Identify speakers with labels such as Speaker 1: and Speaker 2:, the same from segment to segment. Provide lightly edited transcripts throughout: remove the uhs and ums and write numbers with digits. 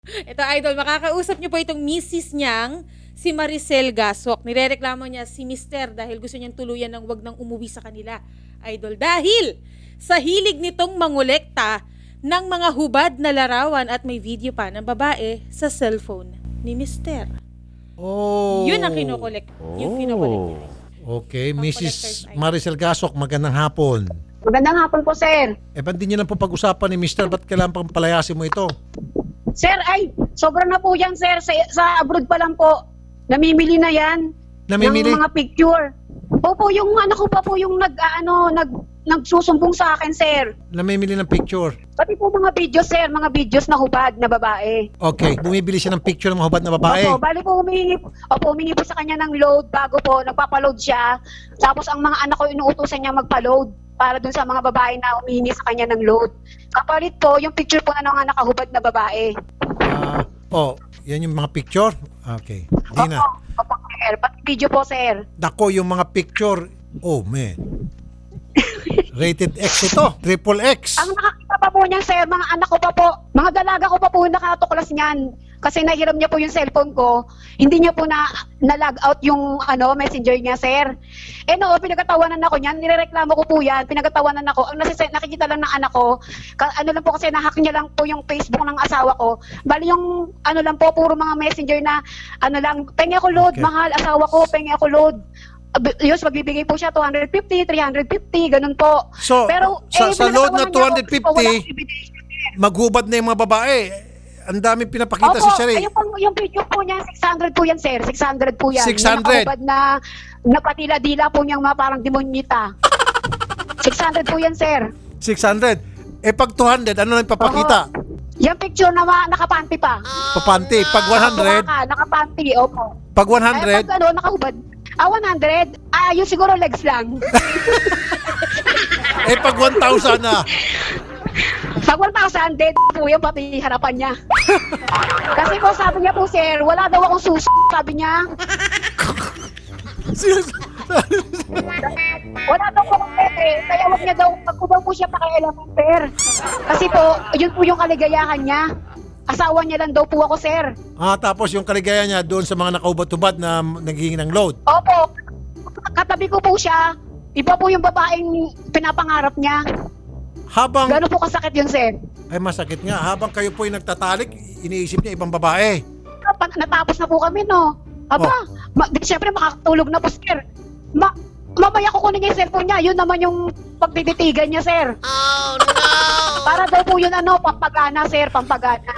Speaker 1: Ito, idol, makakausap niyo po itong misis niyang si Maricel Gasok. Nirereklamo niya si Mister dahil gusto niyang tuluyan ng wag nang umuwi sa kanila. Idol, dahil sa hilig nitong mangolekta ng mga hubad na larawan at may video pa ng babae sa cellphone ni Mister.
Speaker 2: Oh.
Speaker 1: Yun ang kinokolekt. Yung kinokolekt niya.
Speaker 2: Okay,
Speaker 1: Pang
Speaker 2: Mrs.
Speaker 1: collector's item.
Speaker 2: Maricel Gasok, magandang hapon.
Speaker 3: Magandang hapon po, sir.
Speaker 2: Ba't di niyo lang po pag-usapan ni Mr. Ba't kailangan pang palayasin mo ito?
Speaker 3: Sir, ay, sobra na po yan, sir. Sa abroad pa lang po. Namimili na yan.
Speaker 2: Namimili?
Speaker 3: Ng mga picture. Opo, yung anak ko pa po yung nagsusumbong sa akin, sir.
Speaker 2: Namimili ng picture.
Speaker 3: Pati po mga videos, sir. Mga videos na hubad na babae.
Speaker 2: Okay, bumibili siya ng picture ng mga hubad na babae.
Speaker 3: Opo, bali po humingi po sa kanya ng load bago po nagpapaload siya. Tapos ang mga anak ko inuutusan niya magpa-load para dun sa mga babae na humihingi sa kanya ng load. Kapalit po, yung picture po na ng nakahubad na babae.
Speaker 2: Yan yung mga picture? Okay. Di na.
Speaker 3: Opo, sir. Pati video po, sir.
Speaker 2: Dako, yung mga picture, oh man. Rated X ito, triple X.
Speaker 3: Ang nakakita pa po niyan, sir, mga anak ko pa po, mga dalaga ko pa po yung nakatuklas niyan. Kasi nahiram niya po yung cellphone ko. Hindi niya po na-log out yung messenger niya, sir. Pinagkatawanan ako niyan. Nirereklamo ko po yan. Pinagkatawanan ako. Ang nakikita lang ng anak ko, lang po kasi nahack niya lang po yung Facebook ng asawa ko. Bali yung lang po, puro mga messenger na pengi ako load,
Speaker 2: Okay.
Speaker 3: mahal, asawa ko, pengi ako load. Yus, magbibigay po siya 250, 350, ganun po.
Speaker 2: So, sa load na
Speaker 3: pinagkatawanan niya ako, walang
Speaker 2: 250,
Speaker 3: ebidensya, sir.
Speaker 2: maghubad na yung mga babae. Ang daming pinapakita si Sherry.
Speaker 3: Yung video po niya, 600 po yan, sir. 600 po yan.
Speaker 2: 600?
Speaker 3: Yung nakahubad na napatila-dila po niyang mga parang demonyita. 600 po yan, sir.
Speaker 2: 600. Pag 200, ano na ipapakita?
Speaker 3: Yung picture na nakapanty pa.
Speaker 2: Papanti. Pag 100,
Speaker 3: Nakapanty, opo.
Speaker 2: pag
Speaker 3: Ay,
Speaker 2: 100,
Speaker 3: pag nakahubad. 100, yung siguro legs lang.
Speaker 2: pag 1,000 na.
Speaker 3: Pag 1,000, dead po yung pati harapan niya. Kasi po sabi niya po, sir, wala daw akong sabi niya. Wala daw po akong pwede. Kaya wag niya daw, pag daw po siya pakialaman, sir. Kasi po, yun po yung kaligayahan niya. Asawa niya lang daw po ako, sir.
Speaker 2: Tapos yung kaligaya niya doon sa mga nakahubad-hubad na naghihingi ng load.
Speaker 3: Opo, katabi ko po siya. Iba po yung babaeng pinapangarap niya.
Speaker 2: Habang,
Speaker 3: Gano'n po kasakit yun, sir.
Speaker 2: ay masakit nga, habang kayo po'y nagtatalik, iniisip niya ibang babae.
Speaker 3: Natapos na po kami, no? Aba, siyempre makakatulog na po, sir. Mamaya kukunin niya yung cellphone niya. Yun naman yung pagtititigan niya, sir. Oh, no! Para daw po yun, pampagana, sir, pampagana.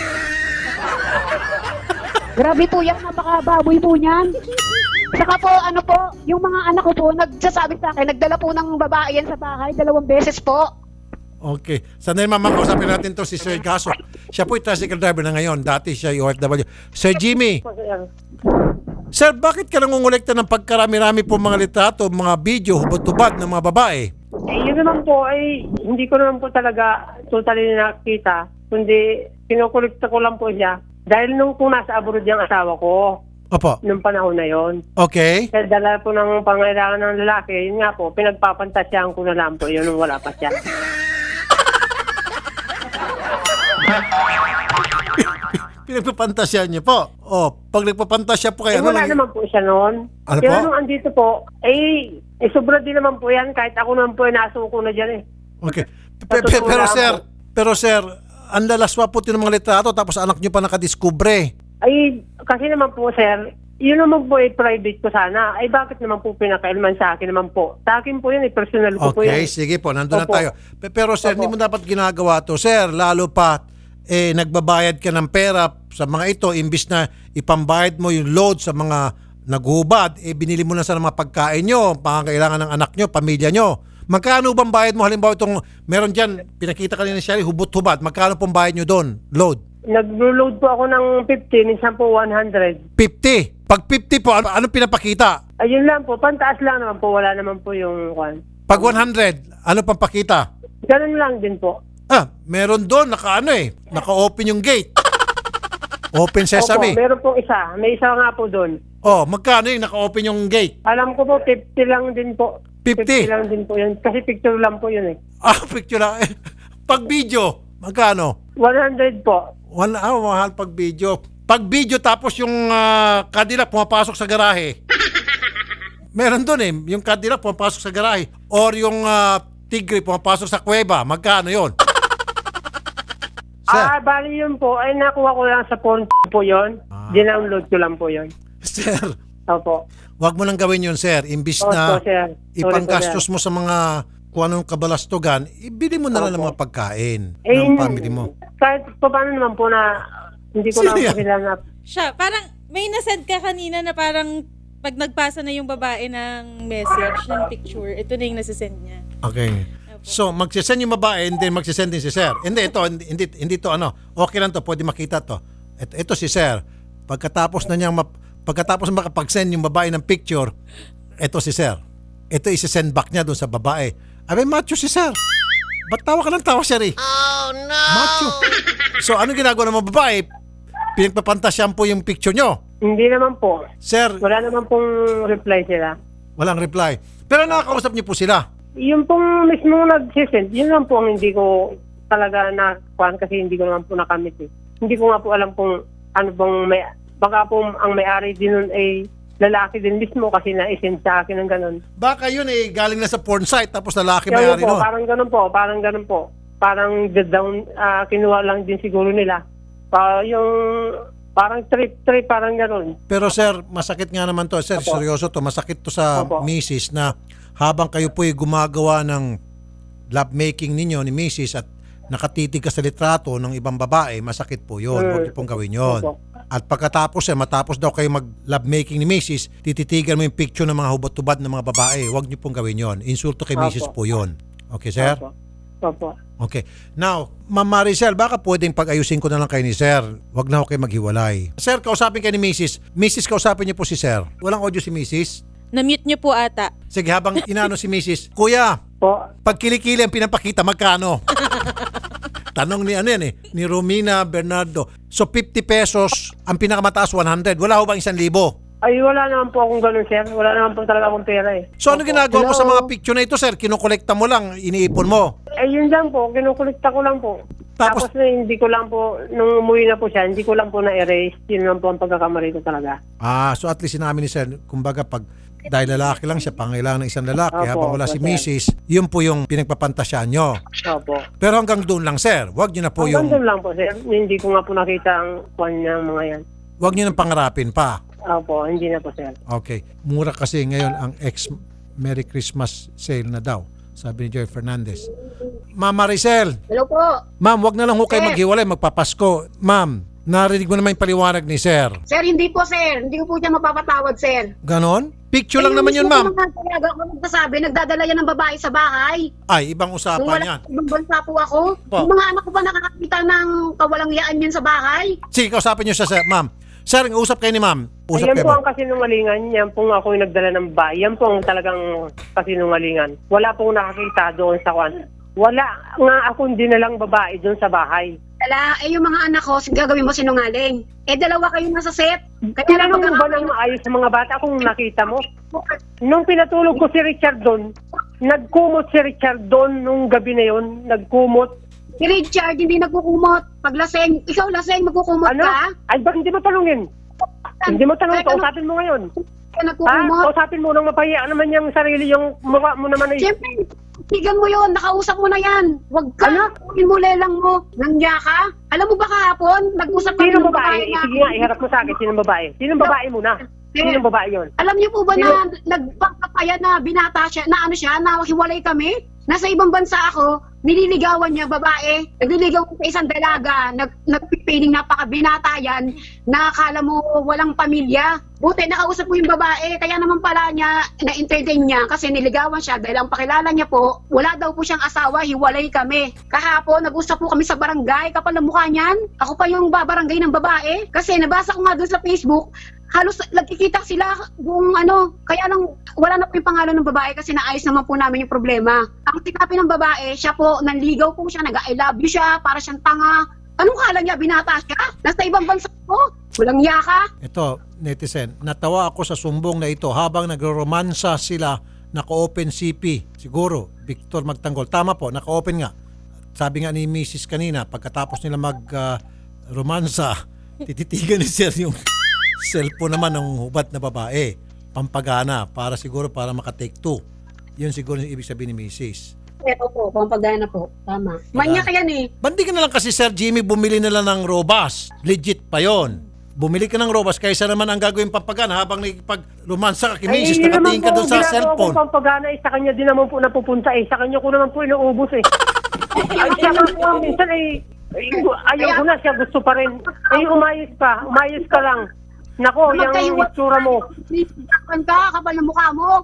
Speaker 3: Grabe po yan, napakababoy po niyan. Saka po, yung mga anak ko po, nagsasabi sa akin, nagdala po ng babae yan sa bahay, 2 beses po.
Speaker 2: Okay. Sandali mama, kausapin natin to si Sir Gasok. Siya po'y tricycle driver na ngayon. Dati siya OFW. Sir Jimmy. Sir, bakit ka nangungulekta ng pagkarami-rami po mga litrato, mga video, hubad-hubad ng mga babae?
Speaker 4: Yun naman po ay hindi ko naman po talaga totally nakita, kundi kinukulikta ko lang po siya. Dahil kung nasa abroad yung asawa ko,
Speaker 2: Opo.
Speaker 4: nung panahon na yon.
Speaker 2: Okay.
Speaker 4: Kaya dala po ng pangailangan ng lalaki, yun nga po, pinagpapantasyahan ko na lang po yun nung wala pa siya.
Speaker 2: Pinagpapantasya niyo po. Pag nagpapantasya po kayo,
Speaker 4: Wala naman po siya noon.
Speaker 2: Ano
Speaker 4: Kaya
Speaker 2: po?
Speaker 4: nung andito po, sobra din naman po yan, kahit ako naman po nasuko na dyan eh.
Speaker 2: Okay.
Speaker 4: Totoo lang
Speaker 2: Pero sir, ang lalaswa po ng mga litrato tapos anak niyo pa nakadiskubre.
Speaker 4: Kasi naman po sir, yun naman po private ko sana. Bakit naman po pinakailman sa akin naman po? Sa akin po yun, personal ko po
Speaker 2: Okay,
Speaker 4: yan.
Speaker 2: sige po, nandun na
Speaker 4: Opo.
Speaker 2: tayo. Pero sir,
Speaker 4: Opo.
Speaker 2: hindi mo dapat ginagawa to. Sir, lalo pa, nagbabayad ka ng pera sa mga ito, imbis na ipambayad mo yung load sa mga naghubad, binili mo na sa mga pagkain nyo, pangangailangan ng anak nyo, pamilya nyo. Magkano bang bayad mo? Halimbawa itong, meron dyan, pinakita ka ni Sherry, hubot-hubad. Magkano pong bayad nyo doon? Load?
Speaker 4: Nag-load po ako ng 50, minsan po 100.
Speaker 2: 50. Pag 50 po, anong pinapakita?
Speaker 4: Ayun lang po, pantaas lang naman po, wala naman po yung kwan.
Speaker 2: Pag 100, ano pang pakita?
Speaker 4: Ganun lang din po.
Speaker 2: Meron doon, naka-open yung gate. Open sesame.
Speaker 4: Opo, meron pong isa. May isa nga po doon.
Speaker 2: Magkano yung naka-open yung gate?
Speaker 4: Alam ko po, 50 lang din po.
Speaker 2: 50?
Speaker 4: 50 lang din po yun. Kasi picture lang po yun eh.
Speaker 2: Picture lang. Pag video, magkano?
Speaker 4: 100 po.
Speaker 2: 1 hour, mahal pag video. Pag video tapos yung Cadillac pumapasok sa garahe. Meron doon eh, yung Cadillac pumapasok sa garahe. Or yung Tigre pumapasok sa kuweba. Magkano yon? Sir,
Speaker 4: Bali yun po, ay nakuha ko lang sa phone po yun. Dinownload ko lang po yun.
Speaker 2: sir,
Speaker 4: Opo.
Speaker 2: wag mo nang gawin yun, sir. Imbis na
Speaker 4: Opo, sir. Sorry
Speaker 2: ipanggastos
Speaker 4: po, sir.
Speaker 2: mo sa mga kung anong kabalastugan, ibili mo na lang ng
Speaker 4: Opo.
Speaker 2: mga pagkain
Speaker 4: Eh,
Speaker 2: ng family mo.
Speaker 4: Kahit pa paano naman po na hindi ko lang
Speaker 2: Sino
Speaker 4: po
Speaker 2: yan?
Speaker 4: sila na...
Speaker 1: Siya, parang may nasend ka kanina na parang pag nagpasa na yung babae ng message, ng picture, ito na yung nasisend niya.
Speaker 2: Okay. So, magsisend yung babae and then magsisend din si sir. Hindi, hindi to ano. Okay lang to, pwede makita to. Ito si sir. Pagkatapos makapag-send yung babae ng picture, ito si sir. Ito isi-send back niya doon sa babae. Abay, macho si sir. Ba't tawa ka ng tawa, sir eh? Oh, no! Macho. So, ano ginagawa ng mga babae? Pinagpapantasyan po yung picture nyo.
Speaker 4: Hindi naman po.
Speaker 2: Sir,
Speaker 4: Wala naman pong reply sila.
Speaker 2: walang reply. Pero nakakausap niyo po sila.
Speaker 4: Yung pong mismo nag-send, yun lang po ang hindi ko talaga nakuhaan kasi hindi ko naman po nakamit eh. Hindi ko nga po alam kung ano bang may... Baka po ang may-ari din nun ay lalaki din mismo kasi na-send sa akin ng ganun.
Speaker 2: Baka yun eh, galing na sa porn site tapos lalaki
Speaker 4: Kaya
Speaker 2: may-ari
Speaker 4: po,
Speaker 2: nun.
Speaker 4: parang ganun po. Parang down, kinuha lang din siguro nila. Yung parang trip, parang ganun.
Speaker 2: Pero sir, masakit nga naman to. Sir,
Speaker 4: Opo.
Speaker 2: seryoso to. Masakit to sa
Speaker 4: Opo.
Speaker 2: misis na habang kayo po ay gumagawa ng lovemaking ninyo ni misis at nakatitig ka sa litrato ng ibang babae, masakit po yun. Huwag niyo pong gawin yun.
Speaker 4: Opo.
Speaker 2: At pagkatapos matapos daw kayo mag-lovemaking ni misis, tititigan mo yung picture ng mga hubad-tubad ng mga babae. Huwag niyo pong gawin yun. Insulto kay
Speaker 4: Opo.
Speaker 2: misis po yun. Okay, sir?
Speaker 4: Opo.
Speaker 2: Okay. Now, Ma'am Maricel, baka pwedeng pag-ayusin ko na lang kayo ni Sir. Huwag na ako kayo maghiwalay. Sir, kausapin kayo ni Mrs. Mrs., kausapin niyo po si Sir. Walang audio si Mrs.
Speaker 1: Na-mute niyo po ata.
Speaker 2: Sige, habang inano si Mrs. Kuya,
Speaker 4: Po.
Speaker 2: pag kilikili ang pinapakita, magkano? Tanong ni ano yan eh, ni Romina Bernardo. So 50 pesos, ang pinakamataas 100. Wala ho bang 1,000?
Speaker 4: Ay, wala naman po akong ganun, sir. Wala naman po talaga akong pera eh.
Speaker 2: So ano
Speaker 4: Opo.
Speaker 2: ginagawa mo sa
Speaker 4: Hello?
Speaker 2: mga picture na ito, Sir? Kinukolekta mo lang, iniipon mo.
Speaker 4: Eh, yun lang po. Kinukulikta ko lang po.
Speaker 2: Tapos-
Speaker 4: Tapos na hindi ko lang po, nung umuwi na po siya, hindi ko lang po na-erase. Yun lang po ang pagkakamali ko talaga.
Speaker 2: So at least sinabi ni Sir, kumbaga pag dahil lalaki lang siya, pangailangan ng isang lalaki,
Speaker 4: Opo,
Speaker 2: habang wala si
Speaker 4: opo, sir.
Speaker 2: Mrs., yun po yung pinagpapantasyan nyo.
Speaker 4: Opo.
Speaker 2: Pero hanggang doon lang, Sir. Huwag nyo na po
Speaker 4: Hanggang
Speaker 2: yung,
Speaker 4: doon lang po, sir. Hindi ko nga po nakita ang kwan niya mga yan.
Speaker 2: huwag nyo nang pangarapin pa.
Speaker 4: Opo, hindi na po, sir.
Speaker 2: Okay. Mura kasi ngayon ang ex-Merry Christmas sale na daw, sabi ni Joy Fernandez. Ma'am Maricel,
Speaker 3: Hello po.
Speaker 2: ma'am, wag na lang ho kayo
Speaker 3: Sir.
Speaker 2: maghiwalay, magpapasko. Ma'am, narinig mo naman yung paliwanag ni Sir.
Speaker 3: Sir, hindi po, sir. Hindi ko po siya mapapatawad, sir.
Speaker 2: Ganon? Picture lang
Speaker 3: Eh,
Speaker 2: naman yun,
Speaker 3: mismo
Speaker 2: ma'am.
Speaker 3: po mga talaga ako nagsasabi, nagdadala yan ng babae sa bahay.
Speaker 2: Ay, ibang
Speaker 3: Nung
Speaker 2: usapan
Speaker 3: wala
Speaker 2: yan.
Speaker 3: ibang bansa po ako,
Speaker 2: Po.
Speaker 3: yung mga anak ko pa nakakakita ng kawalangyaan yan sa bahay.
Speaker 2: Sige, kausapin niyo siya, Sir. Ma'am. Sir, usap kayo ni ma'am. Usap
Speaker 4: Yan
Speaker 2: kayo,
Speaker 4: po
Speaker 2: ma'am.
Speaker 4: ang kasinungalingan. Yan po ako yung nagdala ng bahay. Yan po ang talagang kasinungalingan. Wala pong nakakita doon sa kwan. Wala nga akong dinalang babae doon sa bahay.
Speaker 3: Dala, yung mga anak ko, gagawin mo sinungaling. Dalawa kayo nasa set. Kaya lang
Speaker 4: Tinanong mo ba ng maayos sa mga bata kung nakita mo? Nung pinatulog ko si Richard doon, nagkumot si Richard doon nung gabi na yon. Nagkumot.
Speaker 3: Si Richard, hindi nagkukumot. Pag laseng, ikaw laseng, magkukumot
Speaker 4: Ano?
Speaker 3: ka?
Speaker 4: Ay, bakit hindi mo tanungin? Hindi mo tanong, kausapin mo ngayon.
Speaker 3: Ka
Speaker 4: Ha?
Speaker 3: nagkukumot.
Speaker 4: Kausapin mo nang mapahiya naman yung sarili, yung mukha mo naman ay...
Speaker 3: Siyempre, tigan mo yon, nakausap mo na yan. Huwag ka,
Speaker 4: Ano?
Speaker 3: mo lelang mo. Nangya ka? Alam mo ba kahapon, nag-usap kami
Speaker 4: Sinong
Speaker 3: ng
Speaker 4: babae?
Speaker 3: na-
Speaker 4: Sige nga, iharap mo sa akin. Sinong babae? Sinong babae muna? Sinong babae yon?
Speaker 3: Alam niyo po ba na nagpapapaya na binata siya, na ano siya, na hiwalay kami? Nasa ibang bansa ako, nililigawan niya babae, nagliligaw ko sa isang dalaga, nagpipiling napakabinata yan, na akala mo walang pamilya. Buti nakausap ko yung babae, kaya naman pala niya, na-entertain niya kasi niligawan siya dahil ang pakilala niya po, wala daw po siyang asawa, hiwalay kami. Kahapon, nag-usap po kami sa barangay, kapal na mukha niyan. Ako pa yung babarangay ng babae kasi nabasa ko nga doon sa Facebook, halos nagkikita sila kung ano, kaya lang wala na po yung pangalan ng babae kasi naayos naman po namin yung problema. Ang tinapin ng babae, siya po, nanligaw po siya, nag-I love you siya, para siyang tanga. Anong kala niya, binata siya? Nasa ibang bansa po, walang iya ka.
Speaker 2: Ito, netizen, natawa ako sa sumbong na ito habang nagro-romansa sila, naka-open CP. Siguro, Victor Magtanggol. Tama po, naka-open nga. Sabi nga ni Mrs. kanina, pagkatapos nila romansa, tititigan ni sir yung cellphone naman ng hubad na babae. Pampagana, para makatake two. Yun siguro yung ibig sabihin ni Mrs.
Speaker 3: Opo, pampagana po. Tama. Manyak yan eh.
Speaker 2: Bandi ka na lang kasi Sir Jimmy, bumili na lang ng robas. Legit pa yon. Bumili ka ng robas kaysa naman ang gagawin pampagana habang nagpag-romansa ka kay Mrs.
Speaker 4: yun
Speaker 2: Nakatingin ka
Speaker 4: naman
Speaker 2: doon
Speaker 4: po,
Speaker 2: sa
Speaker 4: ginagawa
Speaker 2: cellphone.
Speaker 4: kong pampagana sa kanya din naman po napupunta Sa kanya ko naman po inuubos Ay, siya nga po, minsan ayaw ko na siya, gusto pa rin. Umayos ka lang. Nako, yung itsura mo.
Speaker 3: Kapal ka, kapal ng mukha mo.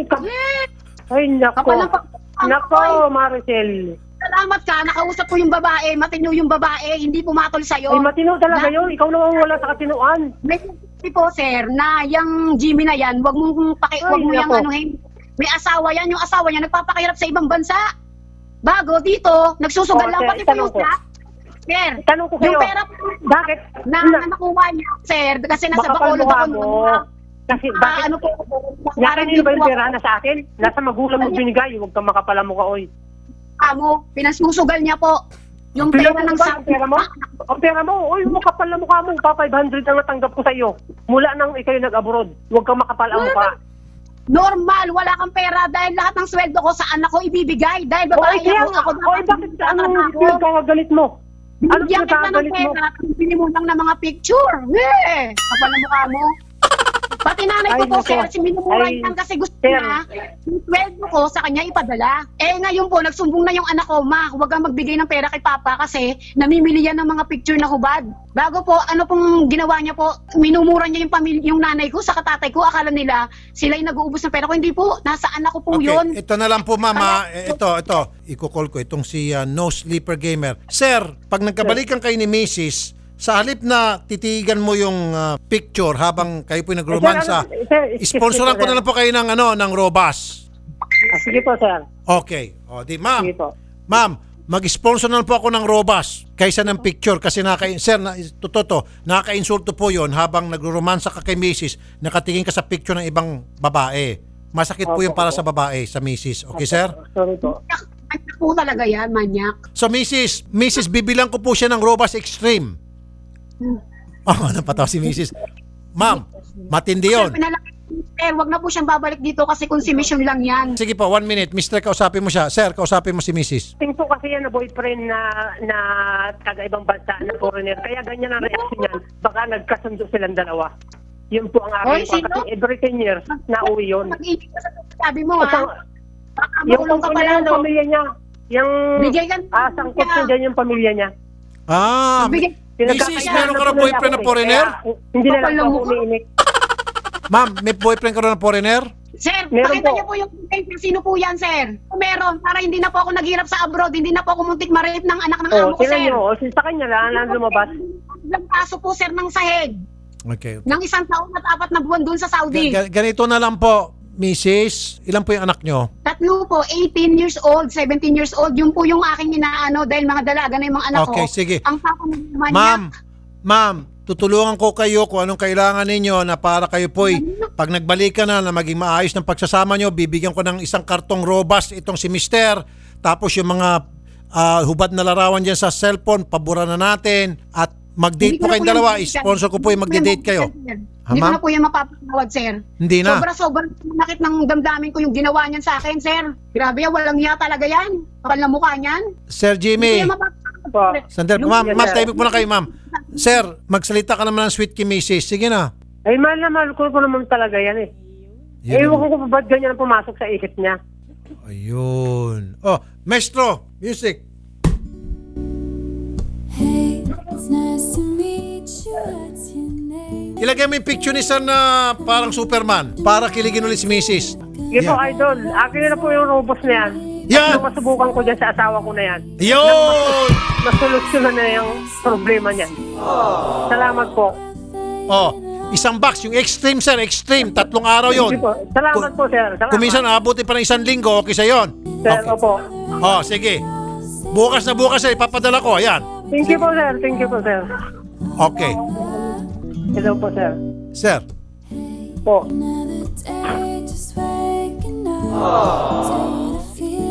Speaker 4: Ay, nako.
Speaker 3: Kapal ng
Speaker 4: Nako, Maricel.
Speaker 3: Salamat ka, nakausap ko yung babae, matino yung babae, hindi pumatol sa'yo.
Speaker 4: Ay, matino talaga yun. Ikaw naman wala sa katinuan.
Speaker 3: May sabi po, sir, na yung Jimmy na yan, wag mo yung
Speaker 4: nako.
Speaker 3: anuhin. May asawa yan, yung asawa niya nagpapakahirap sa ibang bansa. Bago dito, nagsusugal lang
Speaker 4: sir,
Speaker 3: pati po yung
Speaker 4: itanong ko.
Speaker 3: Sir,
Speaker 4: Tanong ko kayo.
Speaker 3: yung pera
Speaker 4: Bakit?
Speaker 3: na nakuha niya, sir, kasi nasa
Speaker 4: Makapal
Speaker 3: Bacolod
Speaker 4: mukha
Speaker 3: ako.
Speaker 4: mo. Kasi bakit?
Speaker 3: Ano po?
Speaker 4: Nakanino ba yung pera na sa akin? Nasa magulang mo binigay. Huwag kang makapala mo ka, oy.
Speaker 3: Amo, pinasusugal niya po. Yung pera ng
Speaker 4: Ang pera mo? Ang pera mo? Oy, makapal na mukha mo. Pa 500 ang natanggap ko sa iyo. Mula nang ikaw nag-abroad. Huwag kang makapal ang mukha.
Speaker 3: Normal, wala kang pera dahil lahat ng sweldo ko sa anak ko ibibigay. Dahil babae
Speaker 4: Kaya
Speaker 3: ako,
Speaker 4: nga.
Speaker 3: ako
Speaker 4: Oy, bakit anong pinagkagalit mo? Ano
Speaker 3: Bigyan kita ng
Speaker 4: pinagkagalit mo?
Speaker 3: pera, bili mo lang ng mga picture. Kapal na mukha mo. Pati nanay ko
Speaker 4: Ay,
Speaker 3: po,
Speaker 4: nako.
Speaker 3: sir, si minumuray
Speaker 4: Ay,
Speaker 3: lang kasi gusto
Speaker 4: sir.
Speaker 3: niya, yung sweldo ko sa kanya ipadala. Ngayon po, nagsumbong na yung anak ko, ma, huwag kang magbigay ng pera kay papa kasi namimili yan ng mga picture na hubad. Bago po, ano pong ginawa niya po, minumura niya yung nanay ko sa katatay ko, akala nila sila yung nag-uubos ng pera ko. Hindi po, nasa anak ko po yun.
Speaker 2: Ito na lang po mama. Ito. Iko-call ko itong si No Sleeper Gamer. Sir, pag nagkabalikan kayo ni Mrs., sa halip na titigan mo yung picture habang kayo po nagromansa, sponsoran ko na lang po kayo ng robas.
Speaker 4: Sige po, sir.
Speaker 2: Okay. O, di ma'am.
Speaker 4: Sige po.
Speaker 2: Ma'am, mag-sponsor na lang po ako ng robas kaysa ng picture kasi nakaka-insulto po yon habang nagro-romansa ka kay Mrs. nakatingin ka sa picture ng ibang babae. Masakit po yung para sa babae, sa Mrs. Okay, sir?
Speaker 4: Sorry po.
Speaker 3: Manyak po talaga yan, manyak.
Speaker 2: So, Mrs. bibilang ko po siya ng robas extreme. Oh, napataw si Mrs. Ma'am, matindi yun.
Speaker 3: Sir, wag na po siyang babalik dito kasi consumption lang yan.
Speaker 2: Sige po, 1 minute. Mister, kausapin mo siya. Sir, kausapin mo si Mrs.
Speaker 4: Tingin po kasi yan na boyfriend na taga-ibang bansa na foreigner. Kaya ganyan ang reaction niyan. Baka nagkasundo silang dalawa. Yun po ang
Speaker 3: Oy,
Speaker 4: aking
Speaker 3: sino?
Speaker 4: kasi every 10 years na uwi yun.
Speaker 3: Mag-ibig ka sa sabi mo,
Speaker 4: Asang,
Speaker 3: ha? Baka
Speaker 4: yung
Speaker 3: makulong ka pala, no?
Speaker 4: pamilya niya. Yung
Speaker 3: Bigay ka
Speaker 4: sangkot niya dyan yung pamilya niya.
Speaker 2: Ah,
Speaker 3: Bigay.
Speaker 2: Mrs., meron ka ng boyfriend na foreigner?
Speaker 4: Hindi na lang
Speaker 3: Kapal ng
Speaker 4: ako
Speaker 3: mukha.
Speaker 4: umiinik.
Speaker 2: Ma'am, may boyfriend ka rin na foreigner?
Speaker 3: Sir,
Speaker 4: Meron
Speaker 3: pakita
Speaker 4: po.
Speaker 3: niyo po yung paper. Sino po yan, sir? Kung meron, para hindi na po ako naghirap sa abroad, hindi na po ako muntik ma-rape ng anak ng amo ko,
Speaker 4: Tingnan
Speaker 3: sir.
Speaker 4: niyo. Sa kanya lang lumabas.
Speaker 3: Ilang kaso po, sir, ng sahig.
Speaker 2: Okay.
Speaker 3: Ng 1 taon at 4 na buwan doon sa Saudi.
Speaker 2: Ganito na lang po, Mrs. Ilan po yung anak nyo?
Speaker 3: Tatlo po, 18 years old, 17 years old. Yun po yung aking inaano dahil mga dalaga na yung mga anak ko.
Speaker 2: Okay, sige.
Speaker 3: Ang papa naman
Speaker 2: Ma'am, tutulungan ko kayo kung anong kailangan ninyo na para kayo po'y pag nagbalikan na maging maayos ng pagsasama nyo, bibigyan ko ng isang kartong robas itong si Mister. Tapos yung mga hubad na larawan dyan sa cellphone, pabura na natin. At mag-date po kayong dalawa. Sponsor ko po yung mag-date kayo. Ha,
Speaker 3: Hindi ko
Speaker 2: ma'am?
Speaker 3: na po yung mapapatawad, sir.
Speaker 2: Hindi na.
Speaker 3: Sobrang nakit ng damdamin ko yung ginawa niyan sa akin, sir. Grabe yan, walang hiya talaga yan. Kapal na mukha niyan.
Speaker 2: Sir
Speaker 3: Hindi
Speaker 2: Jimmy.
Speaker 3: ko yung mapapatawad.
Speaker 4: Po.
Speaker 2: Sandali, ma'am, tahimik muna kayo, ma'am. Sir, magsalita ka naman ng sweet kay Mrs. Sige na.
Speaker 4: Ay, mahal na mahal ko naman talaga yan eh. Ewan ko kung ba't ganyan ang pumasok sa isip niya.
Speaker 2: Ayun. Oh, maestro, music.
Speaker 5: Hey, it's nice to meet you. What's your name?
Speaker 2: Ilagay mo yung picture ni Sir na parang Superman para kiligin ulit si Mrs.
Speaker 4: Sige po, idol. Akin na po yung robos na yan.
Speaker 2: Yan!
Speaker 4: Yung masubukan ko dyan sa asawa ko na yan.
Speaker 2: Yun!
Speaker 4: Masolusyonan na yung problema niyan. Salamat po.
Speaker 2: Oh, isang box, yung extreme sir, extreme. 3 araw yon.
Speaker 4: Sige po. Salamat po, sir. Salamat.
Speaker 2: Kung minsan aabutin pa ng 1 linggo, okay sa yon.
Speaker 4: Sir,
Speaker 2: Okay.
Speaker 4: opo.
Speaker 2: Oh, sige. Bukas na bukas sir, ipapadala ko. Ayan.
Speaker 4: Thank you po, sir. Thank you po, sir.
Speaker 2: Okay.
Speaker 4: Hello po, sir.
Speaker 2: Sir,
Speaker 4: Po.
Speaker 5: Another day, just waking up to the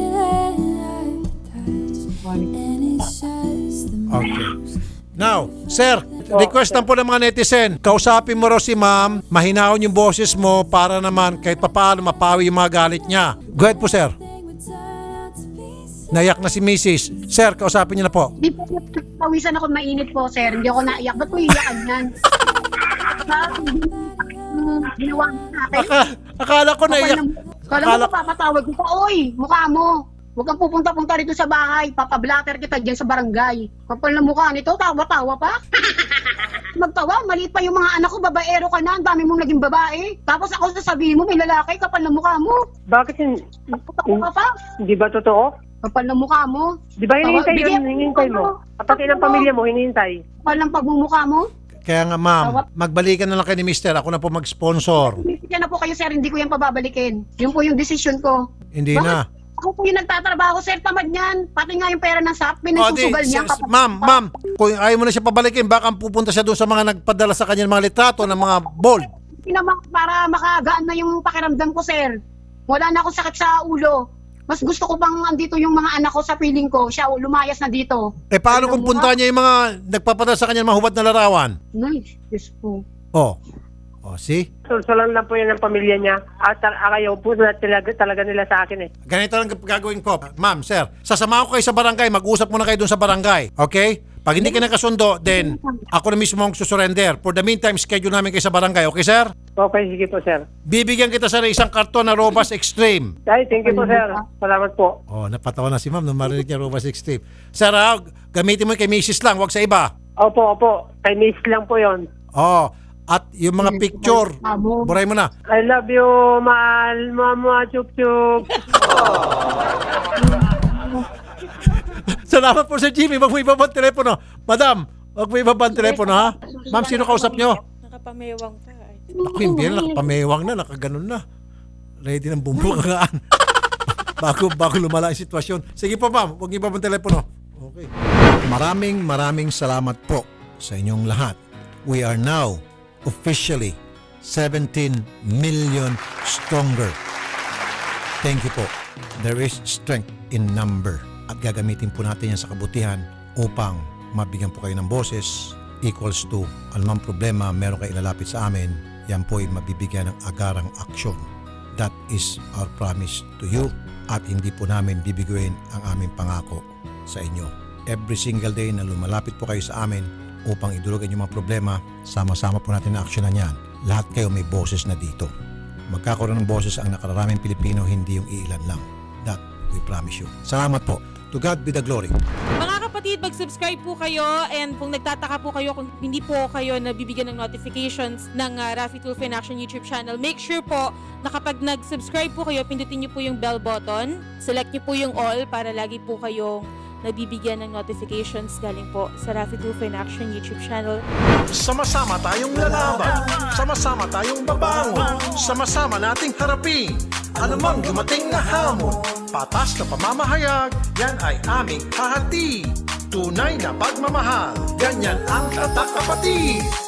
Speaker 5: feeling like touch, and it's just the
Speaker 2: okay. Now, Sir, request lang po ng mga netizen, kausapin mo raw si ma'am, mahinahon yung boses mo para naman kahit papaano mapawi yung mga galit niya. Go ahead po, sir.
Speaker 5: would turn out to be
Speaker 2: Naiyak na si Mrs. Sir, kausapin niyo na po.
Speaker 3: Di po, pawisan ako mainit po, sir. Hindi ako naiyak. Ba't ko iyakan yan? Ginawa mo sa akin.
Speaker 2: Akala ko naiyak.
Speaker 3: Kala mo papatawag ko pa, oy, mukha mo. Huwag kang pupunta-punta rito sa bahay. Papablatter kita dyan sa barangay. Kapal na mukha nito, tawa-tawa pa. Magtawa, maliit pa yung mga anak ko, babaero ka na, ang dami mong naging babae. Tapos ako sasabihin mo, may lalaki, kapal na mukha mo.
Speaker 4: Bakit
Speaker 3: Tawa ka pa,
Speaker 4: hindi ba totoo?
Speaker 3: kapal na mukha mo.
Speaker 4: Di ba hinihintay yun?
Speaker 3: Bigyan-
Speaker 4: Hinihintay mo. Pati ng pamilya mo, hinihintay.
Speaker 3: Kapal ng pagmumukha mo.
Speaker 2: Kaya nga ma'am, magbalikan na lang kayo ni Mister. Ako na po mag-sponsor.
Speaker 3: Yan na po kayo, sir, hindi ko yan pababalikin. Yun po yung decision ko.
Speaker 2: Hindi
Speaker 3: Bakit?
Speaker 2: na.
Speaker 3: Ako po yung nagtatrabaho, sir, tamad niyan. Pati nga yung pera ng SAP, pinagsusugal niya.
Speaker 2: Ma'am, kung ayaw mo na siya pabalikin, baka pupunta siya doon sa mga nagpadala sa kanya ng mga litrato ng mga bold.
Speaker 3: Para makagaan na yung pakiramdam ko, sir. Wala na akong sakit sa ulo. Mas gusto ko bang andito yung mga anak ko sa piling ko. Siya lumayas na dito.
Speaker 2: Eh paano kung punta niya yung mga nagpapadala sa kanya ng mga hubad na larawan?
Speaker 3: Nice. Yes po.
Speaker 2: Oh, see?
Speaker 4: Sulsulan lang po yan ng pamilya niya. At ayaw po na talaga nila sa akin eh.
Speaker 2: Ganito lang gagawin ko. Ma'am, sir, sasamahan ko kayo sa barangay. Mag-usap muna kayo doon sa barangay. Okay? Pag hindi ka nakasundo, then ako na mismo ang susurrender. For the meantime, schedule namin kayo sa barangay. Okay, sir?
Speaker 4: Okay, sige po, sir.
Speaker 2: Bibigyan kita sa isang karton na Robas Extreme.
Speaker 4: Ay, thank you po, sir. Salamat po.
Speaker 2: Oh, napatawa na si ma'am nung marinig niya Robas Extreme. Sir, gamitin mo kay Mrs. lang, wag sa iba.
Speaker 4: Opo. Kay Miss lang po yon.
Speaker 2: Oh, at yung mga picture, buray mo na.
Speaker 4: I love you, mahal, mama, chup-chup.
Speaker 2: Salamat po Sir Jimmy, wag mo ibabang telepono. Madam, wag mo ibabang telepono ha. Ma'am, sino kausap nyo?
Speaker 1: Nakapamewang pa. Ay.
Speaker 2: Ako yung bira, nakapamewang na, nakaganon na. Ready ng bumbukagaan. bago lumala yung sitwasyon. Sige po ma'am, wag niyo ibabang telepono. Okay. Maraming salamat po sa inyong lahat. We are now officially 17 million stronger. Thank you po. There is strength in number. At gagamitin po natin yan sa kabutihan upang mabigyan po kayo ng boses equals to anumang problema meron kayo ilalapit sa amin, yan po ay mabibigyan ng agarang aksyon. That is our promise to you at hindi po namin bibiguin ang aming pangako sa inyo. Every single day na lumalapit po kayo sa amin upang idulugan yung mga problema, sama-sama po natin na aksyonan yan. Lahat kayo may boses na dito. Magkakaroon ng boses ang nakararaming Pilipino, hindi yung iilan lang. That we promise you. Salamat po. To God be the glory.
Speaker 1: Mga kapatid, mag-subscribe po kayo and kung nagtataka po kayo kung hindi po kayo nabibigyan ng notifications ng Raffy Tulfo in Action YouTube channel, make sure po na kapag nag-subscribe po kayo, pindutin niyo po yung bell button, select niyo po yung all para lagi po kayong nabibigyan ng notifications galing po sa Raffy Tulfo in Action YouTube channel.
Speaker 2: Sama-sama tayong lalaban. Sama-sama tayong babangon. Sama-sama nating harapin anumang dumating na hamon. Patas na pamamahayag, yan ay aming hahati. Tunay na pagmamahal, ganyan ang tatak kapatid.